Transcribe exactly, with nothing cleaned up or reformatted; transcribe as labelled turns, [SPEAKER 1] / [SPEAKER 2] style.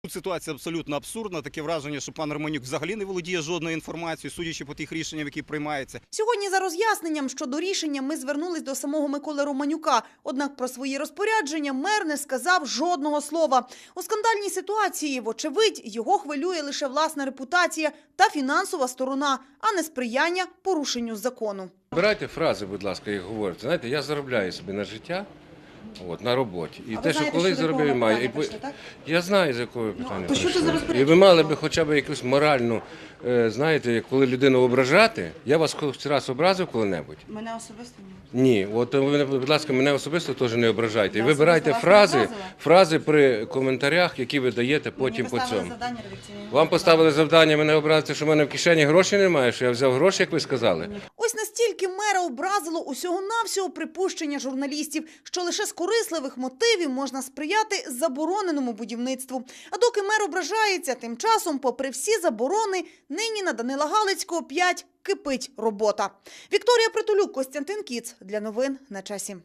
[SPEAKER 1] Тут ситуація абсолютно абсурдна. Таке враження, що пан Романюк взагалі не володіє жодною інформацією, судячи по тих рішеннях, які приймаються.
[SPEAKER 2] Сьогодні за роз'ясненням щодо рішення ми звернулись до самого Миколи Романюка. Однак про свої розпорядження мер не сказав жодного слова. У скандальній ситуації, вочевидь, його хвилює лише власна репутація та фінансова сторона, а не сприяння порушенню закону.
[SPEAKER 3] Збирайте фрази, будь ласка, як говорите. Знаєте, я заробляю собі на життя. От, на роботі. І
[SPEAKER 2] А
[SPEAKER 3] те,
[SPEAKER 2] ви
[SPEAKER 3] що
[SPEAKER 2] знаєте,
[SPEAKER 3] коли
[SPEAKER 2] що до
[SPEAKER 3] заробив,
[SPEAKER 2] якого
[SPEAKER 3] маю.
[SPEAKER 2] питання
[SPEAKER 3] І...
[SPEAKER 2] прийшли, так?
[SPEAKER 3] Я знаю, з якого питання
[SPEAKER 2] то що це за
[SPEAKER 3] прийшли.
[SPEAKER 2] розпорядження?
[SPEAKER 3] І ви мали б хоча б якусь моральну, е, знаєте, коли людину ображати. Я вас хоч раз образив коли-небудь?
[SPEAKER 2] Мене особисто ні.
[SPEAKER 3] Ні. От ви, будь ласка, мене особисто теж не ображайте. І
[SPEAKER 2] Я
[SPEAKER 3] вибирайте
[SPEAKER 2] особисто вас не
[SPEAKER 3] фрази,
[SPEAKER 2] образила?
[SPEAKER 3] фрази при коментарях, які ви даєте потім по цьому. Вам поставили завдання мене образити, що в мене в кишені грошей немає, що я взяв гроші, як ви сказали.
[SPEAKER 2] Ось настільки мера образило усього-навсього припущення журналістів, що лише з корисливих мотивів можна сприяти забороненому будівництву. А доки мер ображається, тим часом, попри всі заборони, нині на Данила Галицького п'ять кипить робота. Вікторія Притулюк, Костянтин Кіц. Для новин на часі.